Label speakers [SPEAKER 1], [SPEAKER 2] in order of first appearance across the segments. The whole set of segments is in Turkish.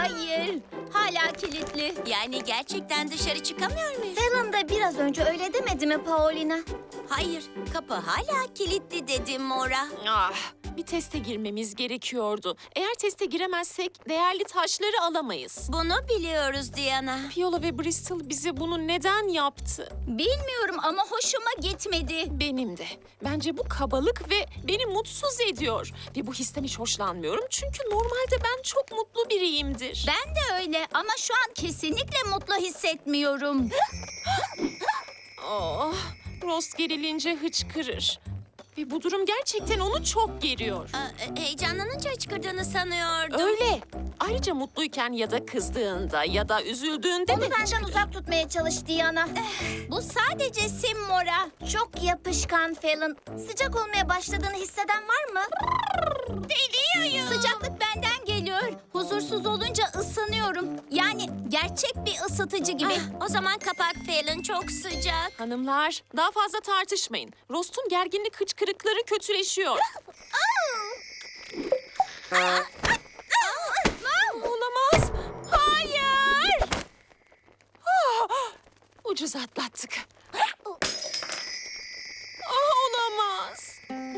[SPEAKER 1] Hayır, hala kilitli.
[SPEAKER 2] Yani gerçekten dışarı çıkamıyor muyuz?
[SPEAKER 1] Helen de biraz önce öyle demedi mi Paulina?
[SPEAKER 2] Hayır, kapı hala kilitli dedim Mora.
[SPEAKER 3] Bir teste girmemiz gerekiyordu. Eğer teste giremezsek değerli taşları alamayız.
[SPEAKER 2] Bunu biliyoruz Diana.
[SPEAKER 3] Viola ve Bristol bize bunu neden yaptı?
[SPEAKER 1] Bilmiyorum ama hoşuma gitmedi.
[SPEAKER 3] Benim de. Bence bu kabalık ve beni mutsuz ediyor. Ve bu histen hiç hoşlanmıyorum çünkü normalde ben çok mutlu biriyimdir.
[SPEAKER 1] Ben de öyle ama şu an kesinlikle mutlu hissetmiyorum.
[SPEAKER 3] Oh, Rost gerilince hıçkırır. Ve bu durum gerçekten onu çok geriyor.
[SPEAKER 2] Heyecanlanınca hıçkırdığını sanıyordum.
[SPEAKER 3] Öyle. Ayrıca mutluyken ya da kızdığında ya da üzüldüğünde
[SPEAKER 1] Onu
[SPEAKER 3] de
[SPEAKER 1] benden
[SPEAKER 3] hıçkırır.
[SPEAKER 1] uzak tutmaya çalış Diana. Bu sadece sim Mora. Çok yapışkan Fallon. Sıcak olmaya başladığını hisseden var mı? Deliyorum. Sıcaklık benden geliyor. Huzursuz olunca ısınıyorum. Yani gerçek bir ısıtıcı gibi.
[SPEAKER 2] O zaman kapak Fallon çok sıcak.
[SPEAKER 3] Hanımlar, daha fazla tartışmayın. Rost'un gerginlik hıçkırıkları kötüleşiyor. Olamaz. Hayır. Ucuz atlattık. Olamaz.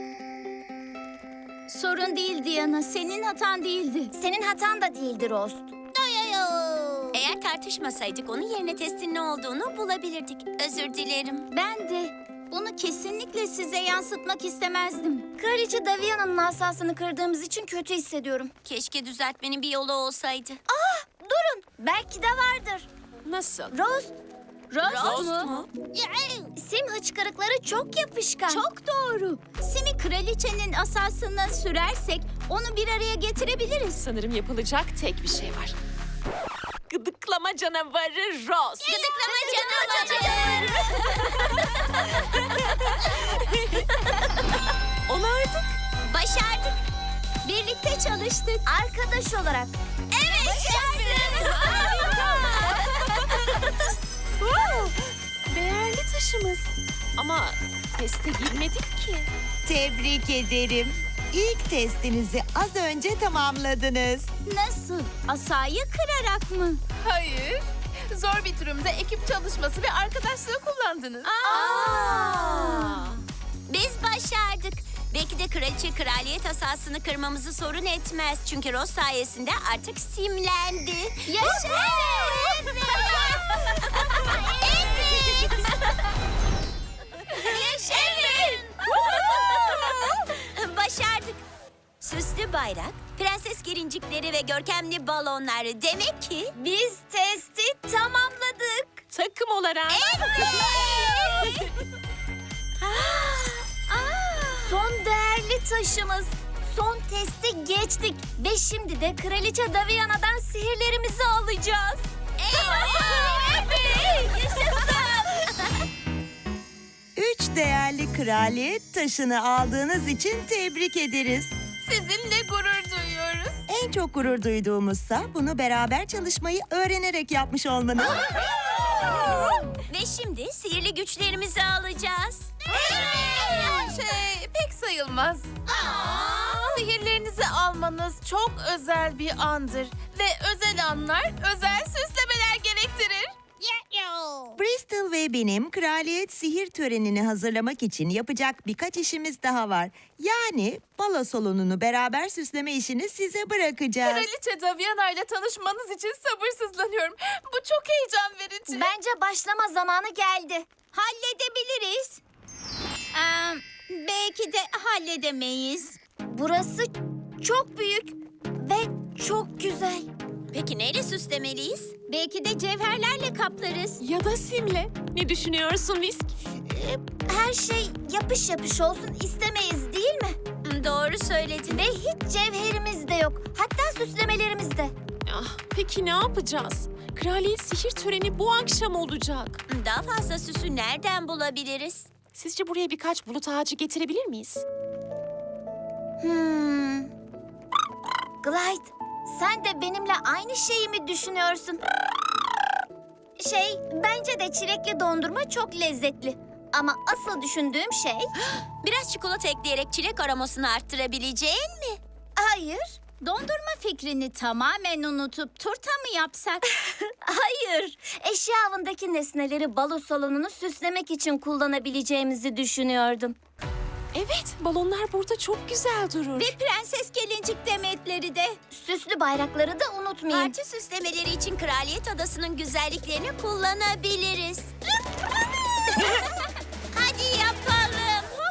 [SPEAKER 1] Sorun değil Diana. Senin hatan değildi. Senin hatan da değildi Rost.
[SPEAKER 2] Eğer tartışmasaydık onun yerine testin ne olduğunu bulabilirdik. Özür dilerim.
[SPEAKER 1] Ben de bunu kesinlikle size yansıtmak istemezdim. Kraliçe Daviana'nın asasını kırdığımız için kötü hissediyorum.
[SPEAKER 2] Keşke düzeltmenin bir yolu olsaydı.
[SPEAKER 1] Durun, belki de vardır.
[SPEAKER 3] Nasıl?
[SPEAKER 1] Rost. Rost mu?
[SPEAKER 2] mu?
[SPEAKER 1] Sim hıçkırıkları çok yapışkan. Çok doğru. Sim'i kraliçenin asasına sürersek onu bir araya getirebiliriz.
[SPEAKER 3] Sanırım yapılacak tek bir şey var. Gıdıklama canavarı Rost.
[SPEAKER 2] Gıdıklama canavarı.
[SPEAKER 3] Onardık.
[SPEAKER 2] Başardık.
[SPEAKER 1] Birlikte çalıştık. Arkadaş olarak.
[SPEAKER 2] Evet. Başardık.
[SPEAKER 3] Değerli taşımız. Ama teste girmedik ki.
[SPEAKER 4] Tebrik ederim. İlk testinizi az önce tamamladınız.
[SPEAKER 1] Nasıl? Asayı kırarak mı?
[SPEAKER 5] Hayır. Zor bir durumda ekip çalışması ve arkadaşlığı kullandınız.
[SPEAKER 2] Biz başardık. Belki de kraliçe kraliyet asasını kırmamızı sorun etmez. Çünkü Ross sayesinde artık simlendi.
[SPEAKER 1] Yaşasın!
[SPEAKER 2] Evet. Yaşasın! Başardık. Süslü bayrak, prenses gelincikleri ve görkemli balonlar. Demek ki...
[SPEAKER 1] Biz testi tamamladık.
[SPEAKER 3] Takım olarak.
[SPEAKER 2] Evet!
[SPEAKER 1] Son değerli taşımız. Son testi geçtik. Ve şimdi de Kraliçe Daviana'dan sihirlerimizi alacağız.
[SPEAKER 2] Evet!
[SPEAKER 4] Üç değerli kraliyet taşını aldığınız için tebrik ederiz.
[SPEAKER 5] Sizinle gurur duyuyoruz.
[SPEAKER 4] En çok gurur duyduğumuzsa bunu beraber çalışmayı öğrenerek yapmış olmanız.
[SPEAKER 2] Ve şimdi sihirli güçlerimizi alacağız.
[SPEAKER 5] Pek sayılmaz. Sihirlerinizi almanız çok özel bir andır. Ve özel anlar özel süslemeler gerektirir.
[SPEAKER 4] Bristol ve benim kraliyet sihir törenini hazırlamak için yapacak birkaç işimiz daha var. Yani balo salonunu beraber süsleme işini size bırakacağız.
[SPEAKER 5] Kraliçe Daviana ile tanışmanız için sabırsızlanıyorum. Bu çok heyecan verici.
[SPEAKER 1] Bence başlama zamanı geldi. Halledebiliriz. Belki de halledemeyiz. Burası çok büyük ve çok güzel.
[SPEAKER 2] Peki neyle süslemeliyiz?
[SPEAKER 1] Belki de cevherlerle kaplarız.
[SPEAKER 3] Ya da simle. Ne düşünüyorsun Whisk?
[SPEAKER 1] Her şey yapış yapış olsun istemeyiz değil mi?
[SPEAKER 2] Doğru söyledin.
[SPEAKER 1] Ve hiç cevherimiz de yok. Hatta süslemelerimiz de.
[SPEAKER 3] Peki ne yapacağız? Kraliyet sihir töreni bu akşam olacak.
[SPEAKER 2] Daha fazla süsü nereden bulabiliriz?
[SPEAKER 3] Sizce buraya birkaç bulut ağacı getirebilir miyiz?
[SPEAKER 1] Glide, sen de benimle aynı şeyi mi düşünüyorsun? Bence de çilekli dondurma çok lezzetli. Ama asıl düşündüğüm şey...
[SPEAKER 2] Biraz çikolata ekleyerek çilek aromasını arttırabileceğin mi?
[SPEAKER 1] Hayır, Dondurma fikrini tamamen unutup turta mı yapsak? Hayır. Eşya avındaki nesneleri balo salonunu süslemek için kullanabileceğimizi düşünüyordum.
[SPEAKER 3] Evet, balonlar burada çok güzel durur.
[SPEAKER 1] Ve prenses gelincik demetleri de. Süslü bayrakları da unutmayın.
[SPEAKER 2] Parti süslemeleri için Kraliyet Adası'nın güzelliklerini kullanabiliriz. Hadi yapalım.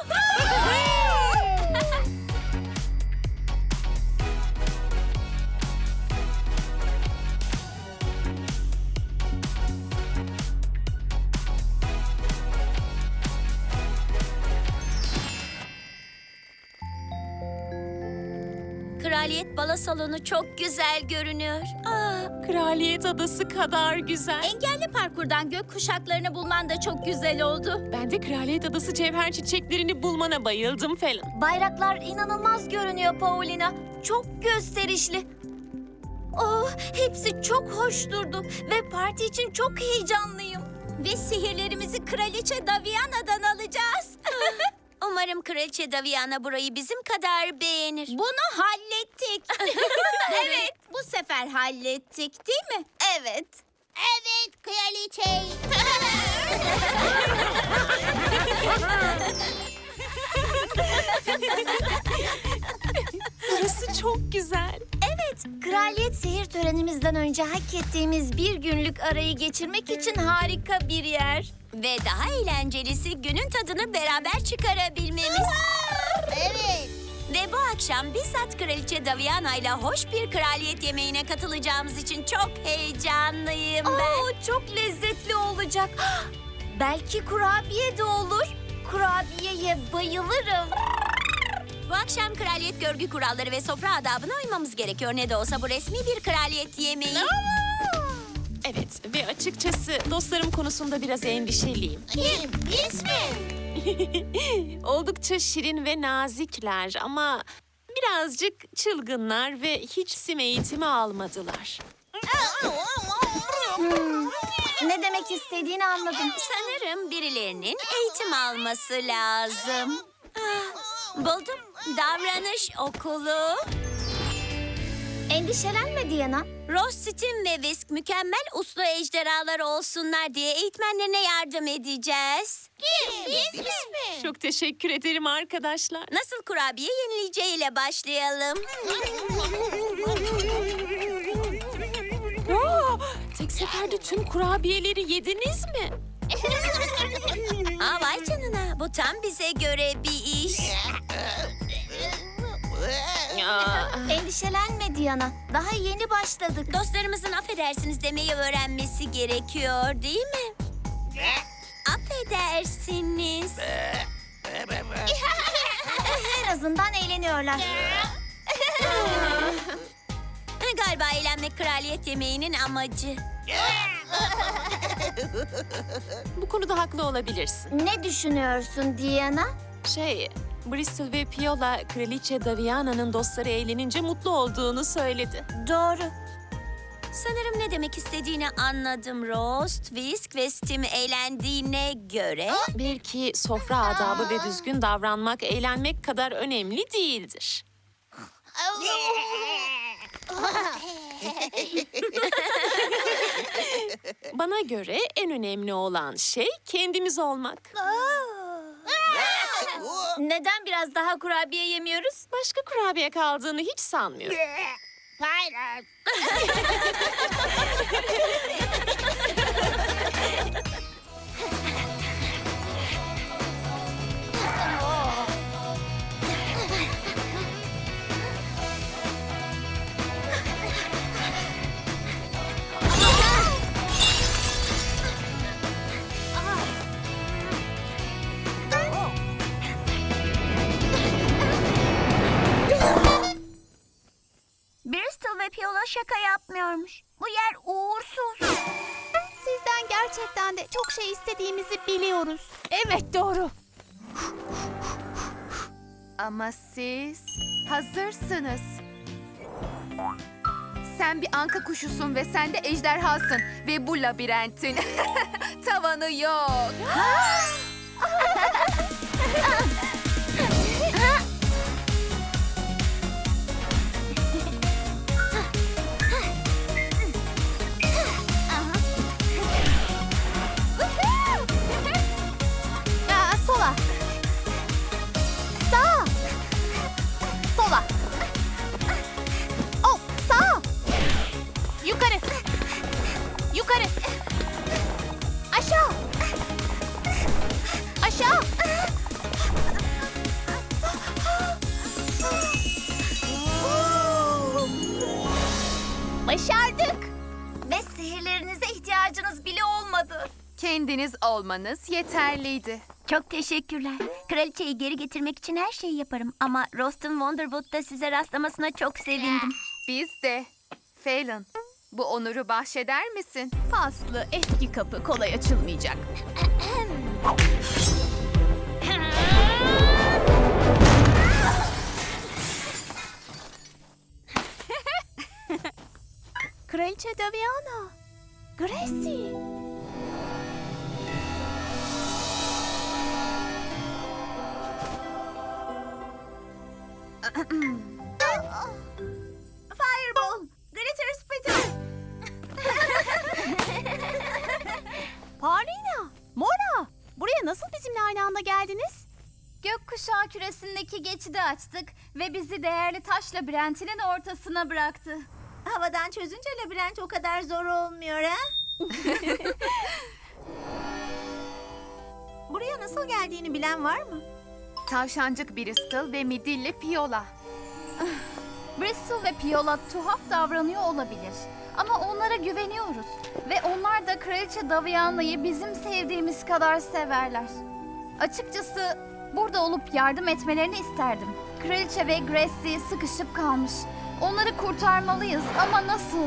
[SPEAKER 2] Kraliyet Balo Salonu çok güzel görünüyor.
[SPEAKER 3] Kraliyet Adası kadar güzel.
[SPEAKER 1] Engelli parkurdan gök kuşaklarını bulman da çok güzel oldu.
[SPEAKER 3] Ben de Kraliyet Adası cevher çiçeklerini bulmana bayıldım Fallon.
[SPEAKER 1] Bayraklar inanılmaz görünüyor Paulina. Çok gösterişli. Oh, hepsi çok hoş durdu ve parti için çok heyecanlıyım. Ve sihirlerimizi Kraliçe Daviana'dan alacağız.
[SPEAKER 2] Umarım Kraliçe Daviana burayı bizim kadar beğenir.
[SPEAKER 1] Bunu hallettik. Evet, bu sefer hallettik değil mi? Evet. Evet, kraliçe.
[SPEAKER 3] Burası çok güzel.
[SPEAKER 1] Evet, kraliyet sihir törenimizden önce hak ettiğimiz bir günlük arayı geçirmek için harika bir yer.
[SPEAKER 2] Ve daha eğlencelisi günün tadını beraber çıkarabilmemiz.
[SPEAKER 1] Evet.
[SPEAKER 2] Ve bu akşam bizzat Kraliçe Daviana ile hoş bir kraliyet yemeğine katılacağımız için çok heyecanlıyım ben.
[SPEAKER 1] Oo, çok lezzetli olacak. Belki kurabiye de olur. Kurabiyeye bayılırım.
[SPEAKER 2] Bu akşam kraliyet görgü kuralları ve sofra adabına uymamız gerekiyor. Ne de olsa bu resmi bir kraliyet yemeği.
[SPEAKER 3] Evet ve açıkçası dostlarım konusunda biraz endişeliyim.
[SPEAKER 1] Kim? Biz mi?
[SPEAKER 3] Oldukça şirin ve nazikler ama birazcık çılgınlar ve hiç sim eğitimi almadılar.
[SPEAKER 1] Ne demek istediğini anladım.
[SPEAKER 2] Sanırım birilerinin eğitim alması lazım. Buldum. Davranış okulu.
[SPEAKER 1] Endişelenme Diana.
[SPEAKER 2] Ross, Tim ve Whisk mükemmel uslu ejderhalar olsunlar diye eğitmenlerine yardım edeceğiz.
[SPEAKER 1] Biz mi?
[SPEAKER 3] Çok teşekkür ederim arkadaşlar.
[SPEAKER 2] Nasıl kurabiye yenileceğiyle başlayalım.
[SPEAKER 3] Tek seferde tüm kurabiyeleri yediniz mi?
[SPEAKER 2] Aa, vay canına, bu tam bize göre bir iş.
[SPEAKER 1] Endişelenme Diana. Daha yeni başladık.
[SPEAKER 2] Dostlarımızın affedersiniz demeyi öğrenmesi gerekiyor değil mi? Affedersiniz.
[SPEAKER 1] En azından eğleniyorlar.
[SPEAKER 2] Galiba eğlenmek kraliyet yemeğinin amacı.
[SPEAKER 3] Bu konuda haklı olabilirsin.
[SPEAKER 1] Ne düşünüyorsun Diana?
[SPEAKER 3] Bristol ve Piola Kraliçe Daviana'nın dostları eğlenince mutlu olduğunu söyledi.
[SPEAKER 1] Doğru.
[SPEAKER 2] Sanırım ne demek istediğini anladım Rost, Whisk ve Tim eğlendiğine göre.
[SPEAKER 3] Belki sofra adabı ve düzgün davranmak eğlenmek kadar önemli değildir. Bana göre en önemli olan şey kendimiz olmak.
[SPEAKER 1] Neden biraz daha kurabiye yemiyoruz?
[SPEAKER 3] Başka kurabiye kaldığını hiç sanmıyorum.
[SPEAKER 1] Bristol ve Piola şaka yapmıyormuş. Bu yer uğursuz.
[SPEAKER 6] Sizden gerçekten de çok şey istediğimizi biliyoruz. Evet doğru. Ama siz hazırsınız. Sen bir anka kuşusun ve sen de ejderhasın. Ve bu labirentin tavanı yok.
[SPEAKER 1] Başardık. Ve sihirlerinize ihtiyacınız bile olmadı.
[SPEAKER 6] Kendiniz olmanız yeterliydi.
[SPEAKER 2] Çok teşekkürler. Kraliçeyi geri getirmek için her şeyi yaparım. Ama Rost'un Wonderwood'da size rastlamasına çok sevindim.
[SPEAKER 6] Biz de. Phelan, bu onuru bahşeder misin?
[SPEAKER 5] Paslı eski kapı kolay açılmayacak. Kraliçe Daviana. Gracie.
[SPEAKER 1] Fireball, glitter spitter.
[SPEAKER 5] Paulina, Mora. Buraya nasıl bizimle aynı anda geldiniz?
[SPEAKER 1] Gökkuşağı küresindeki geçidi açtık ve bizi değerli taş labirentinin ortasına bıraktı. Havadan çözünce labirent o kadar zor olmuyor ha? Buraya nasıl geldiğini bilen var mı?
[SPEAKER 6] Tavşancık Bristol ve midilli Piola.
[SPEAKER 7] Bristol ve Piola tuhaf davranıyor olabilir. Ama onlara güveniyoruz. Ve onlar da Kraliçe Daviana'yı bizim sevdiğimiz kadar severler. Açıkçası burada olup yardım etmelerini isterdim. Kraliçe ve Gracie sıkışıp kalmış. Onları kurtarmalıyız ama nasıl?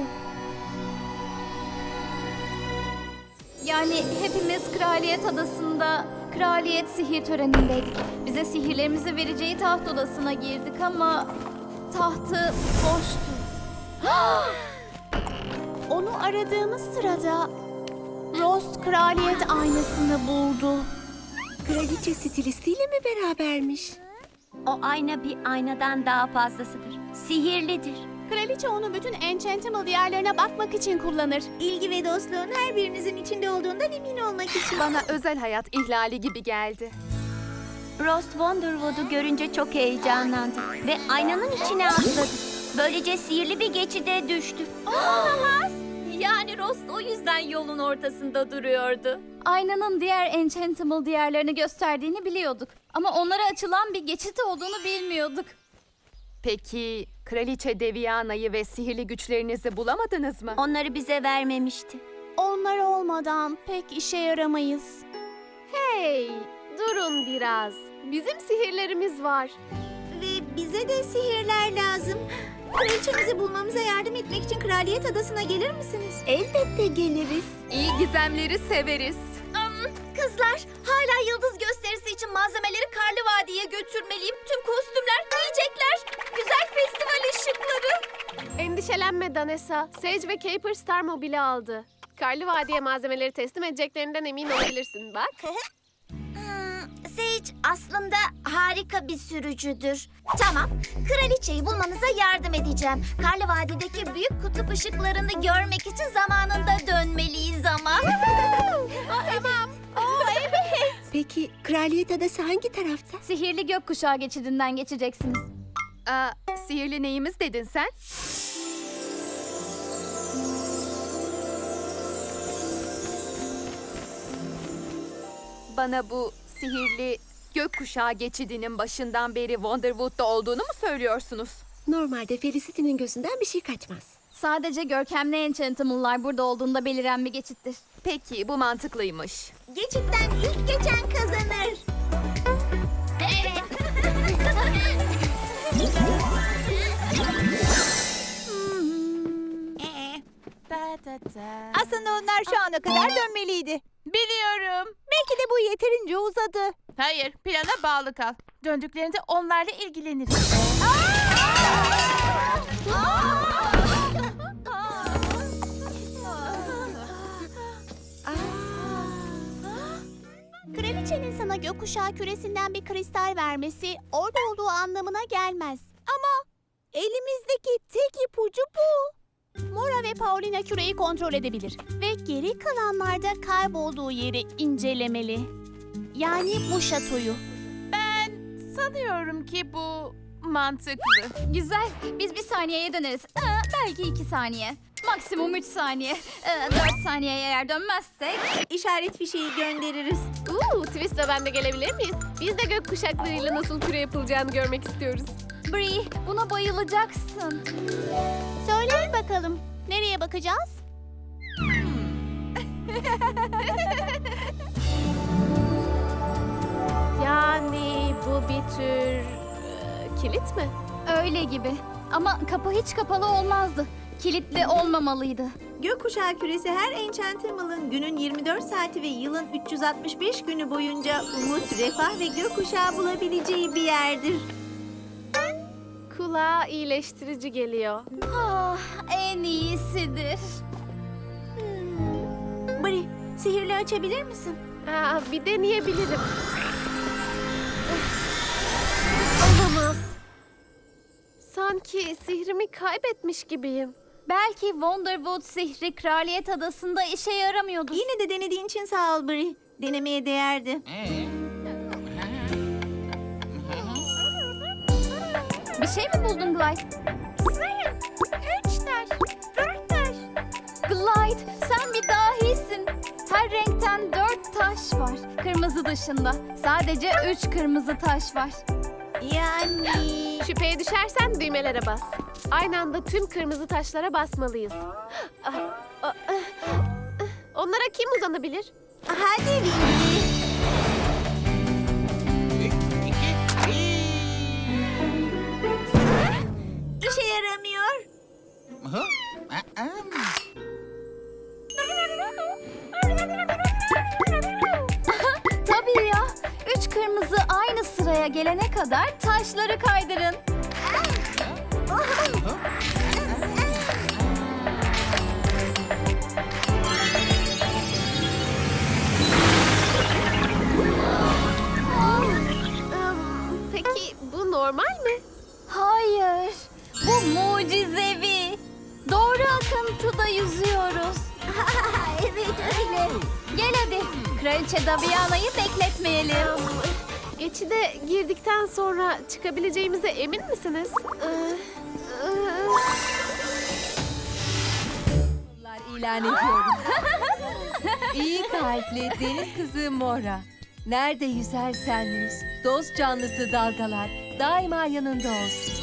[SPEAKER 7] Yani hepimiz Kraliyet Adası'nda kraliyet sihir törenindeydik. Bize sihirlerimizi vereceği taht odasına girdik ama tahtı boştu.
[SPEAKER 5] Onu aradığımız sırada Rost kraliyet aynasını buldu.
[SPEAKER 4] Kraliçe stilistiyle mi berabermiş?
[SPEAKER 2] O ayna bir aynadan daha fazlasıdır. Sihirlidir.
[SPEAKER 5] Kraliçe onu bütün Enchantimals diyarlarına bakmak için kullanır.
[SPEAKER 1] İlgi ve dostluğun her birinizin içinde olduğundan emin olmak için.
[SPEAKER 6] Bana özel hayat ihlali gibi geldi.
[SPEAKER 2] Rost Wonderwood'u görünce çok heyecanlandı ve aynanın içine atladı. Böylece sihirli bir geçide düştü.
[SPEAKER 1] Yani Rost o yüzden yolun ortasında duruyordu.
[SPEAKER 7] Aynanın diğer Enchantimal diyarlarını gösterdiğini biliyorduk. Ama onlara açılan bir geçit olduğunu bilmiyorduk.
[SPEAKER 6] Peki Kraliçe Daviana'yı ve sihirli güçlerinizi bulamadınız mı?
[SPEAKER 2] Onları bize vermemişti.
[SPEAKER 5] Onlar olmadan pek işe yaramayız. Hey, durun biraz. Bizim sihirlerimiz var.
[SPEAKER 1] Ve bize de sihirler lazım. Kraliçemizi bulmamıza yardım etmek için Kraliyet Adası'na gelir misiniz?
[SPEAKER 5] Elbette geliriz.
[SPEAKER 6] İyi gizemleri severiz.
[SPEAKER 1] Kızlar, hala yıldız gösterisi için malzemeleri Karlı Vadi'ye götürmeliyim. Tüm kostümler, yiyecekler, güzel festival ışıkları.
[SPEAKER 8] Endişelenme Danessa. Sage ve Caper Star mobili aldı. Karlı Vadi'ye malzemeleri teslim edeceklerinden emin olabilirsin bak.
[SPEAKER 1] Sage aslında harika bir sürücüdür. Tamam, kraliçeyi bulmanıza yardım edeceğim. Karlı Vadi'deki büyük kutup ışıklarını görmek için zamanında dönmeliyiz ama. Tamam.
[SPEAKER 4] Peki Kraliyet Adası hangi tarafta?
[SPEAKER 7] Sihirli gökkuşağı geçidinden geçeceksiniz.
[SPEAKER 6] Sihirli neyimiz dedin sen? Bana bu sihirli gökkuşağı geçidinin başından beri Wonderwood'da olduğunu mu söylüyorsunuz?
[SPEAKER 8] Normalde Felicity'nin gözünden bir şey kaçmaz.
[SPEAKER 7] Sadece görkemli Enchantimal'lar burada olduğunda beliren bir geçittir.
[SPEAKER 6] Peki bu mantıklıymış.
[SPEAKER 1] Geçitten ilk geçen kazanır. Evet.
[SPEAKER 5] Aslında onlar şu ana kadar dönmeliydi. Biliyorum. Belki de bu yeterince uzadı. Hayır, plana bağlı kal. Döndüklerinde onlarla ilgileniriz.
[SPEAKER 9] Kraliçenin sana gökkuşağı küresinden bir kristal vermesi orada olduğu anlamına gelmez. Ama elimizdeki tek ipucu bu. Mora ve Paulina küreyi kontrol edebilir ve geri kalanlarda kaybolduğu yeri incelemeli. Yani bu şatoyu.
[SPEAKER 5] Ben sanıyorum ki bu mantıklı.
[SPEAKER 7] Güzel. Biz bir saniyeye döneriz. Belki 2 saniye. Maksimum 3 saniye. 4 saniyeye eğer dönmezsek.
[SPEAKER 1] İşaret fişeği göndeririz.
[SPEAKER 8] Twist ve ben de gelebilir miyiz? Biz de gök kuşaklarıyla nasıl küre yapılacağını görmek istiyoruz.
[SPEAKER 7] Bree, buna bayılacaksın.
[SPEAKER 9] Söyleyin bakalım. Nereye bakacağız?
[SPEAKER 8] Yani bu bir tür kilit mi?
[SPEAKER 7] Öyle gibi. Ama kapı hiç kapalı olmazdı. Kilitli olmamalıydı.
[SPEAKER 10] Gökkuşağı küresi her Enchantimal'ın günün 24 saati ve yılın 365 günü boyunca umut, refah ve gökkuşağı bulabileceği bir yerdir.
[SPEAKER 8] Kulağa iyileştirici geliyor.
[SPEAKER 7] Ah, en iyisidir.
[SPEAKER 10] Bri, sihirli açabilir misin?
[SPEAKER 8] Bir deneyebilirim. Olamaz. Sanki sihrimi kaybetmiş gibiyim.
[SPEAKER 7] Belki Wonderwood sihri Kraliyet Adası'nda işe yaramıyordur.
[SPEAKER 10] Yine de denediğin için sağ ol Bri. Denemeye değerdi.
[SPEAKER 7] Bir şey mi buldun Glide? 3 taş, 4 taş. Glide, sen bir dahisin. Her renkten 4 taş var. Kırmızı dışında. Sadece 3 kırmızı taş var.
[SPEAKER 10] Yani...
[SPEAKER 8] Şüpheye düşersen düğmelere bas. Aynı anda tüm kırmızı taşlara basmalıyız. Onlara kim uzanabilir?
[SPEAKER 10] Hadi Wingy. İşe yaramıyor.
[SPEAKER 7] Tabii ya. 3 kırmızı aynı sıraya gelene kadar taşları kaydırın.
[SPEAKER 8] Peki bu normal mi?
[SPEAKER 7] Hayır. Bu mucizevi. Doğru akıntıda yüzüyoruz. Evet öyle. Gel hadi. Kraliçe Daviana'yı bekletmeyelim.
[SPEAKER 8] Geçide girdikten sonra çıkabileceğimize emin misiniz?
[SPEAKER 11] İlan ediyorum. İyi kalpli deniz kızı Mora. Nerede yüzersen yüz, dost canlısı dalgalar daima yanında olsun.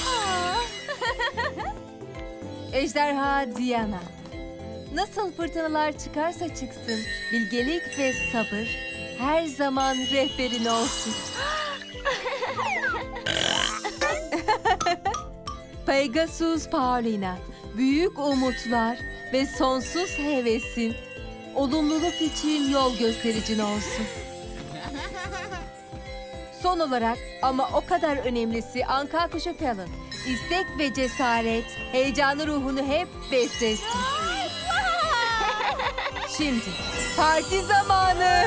[SPEAKER 11] Ejderha Diana. Nasıl fırtınalar çıkarsa çıksın, bilgelik ve sabır her zaman rehberin olsun. Pegasus Paulina, büyük umutlar ve sonsuz hevesin, olumluluk için yol göstericin olsun. Son olarak ama o kadar önemlisi Anka Kuşu Pelin, istek ve cesaret, heyecanı ruhunu hep beslesin. Şimdi parti zamanı.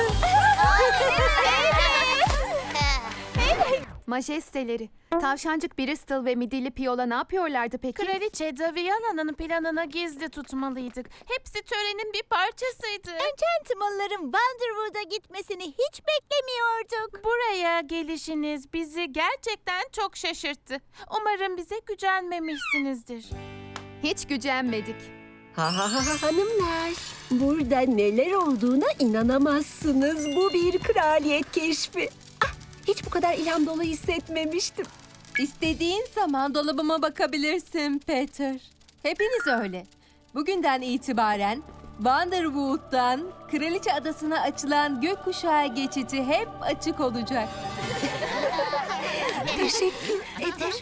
[SPEAKER 6] Majesteleri, tavşancık Bristol ve midilli Piola ne yapıyorlardı peki?
[SPEAKER 5] Kraliçe Daviana'nın planını gizli tutmalıydık. Hepsi törenin bir parçasıydı.
[SPEAKER 9] Enchantimal'ların Wonderwood'a gitmesini hiç beklemiyorduk.
[SPEAKER 5] Buraya gelişiniz bizi gerçekten çok şaşırttı. Umarım bize gücenmemişsinizdir.
[SPEAKER 6] Hiç gücenmedik.
[SPEAKER 11] Hanımlar, burada neler olduğuna inanamazsınız. Bu bir kraliyet keşfi. Hiç bu kadar ilham dolu hissetmemiştim. İstediğin zaman dolabıma bakabilirsin Peter. Hepiniz öyle. Bugünden itibaren Wonderwood'dan Kraliçe Adası'na açılan gökkuşağı geçidi hep açık olacak. Teşekkür ederim.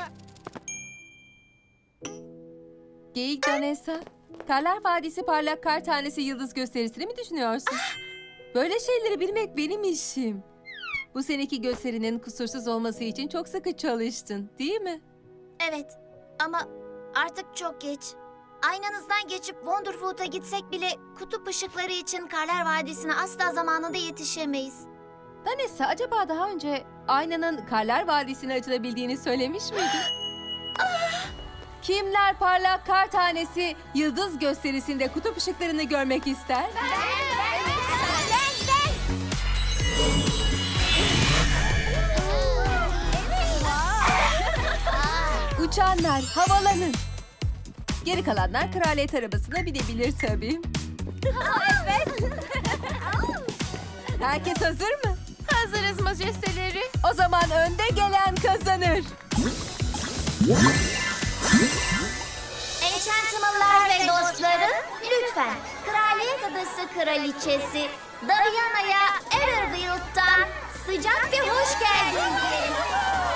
[SPEAKER 11] Geyik Danessa, Karlar Vadisi Parlak Kar Tanesi Yıldız gösterisini mi düşünüyorsun? Böyle şeyleri bilmek benim işim. Bu seneki gösterinin kusursuz olması için çok sıkı çalıştın, değil mi?
[SPEAKER 1] Evet ama artık çok geç. Aynanızdan geçip Wonderwood'a gitsek bile kutup ışıkları için Karlar Vadisi'ne asla zamanında yetişemeyiz.
[SPEAKER 11] Danessa, acaba daha önce aynanın Karlar Vadisi'ne açılabildiğini söylemiş miydin? Kimler Parlak Kar Tanesi Yıldız gösterisinde kutup ışıklarını görmek ister? Uçanlar havalanın. Geri kalanlar kraliyet arabasına binebilir tabii. Evet. Herkes hazır mı?
[SPEAKER 5] Hazırız majesteleri.
[SPEAKER 11] O zaman önde gelen kazanır.
[SPEAKER 1] Enchantimal'lar ve kraliçesi Daviana'ya Everwild'dan sıcak bir hoş geldin diyelim.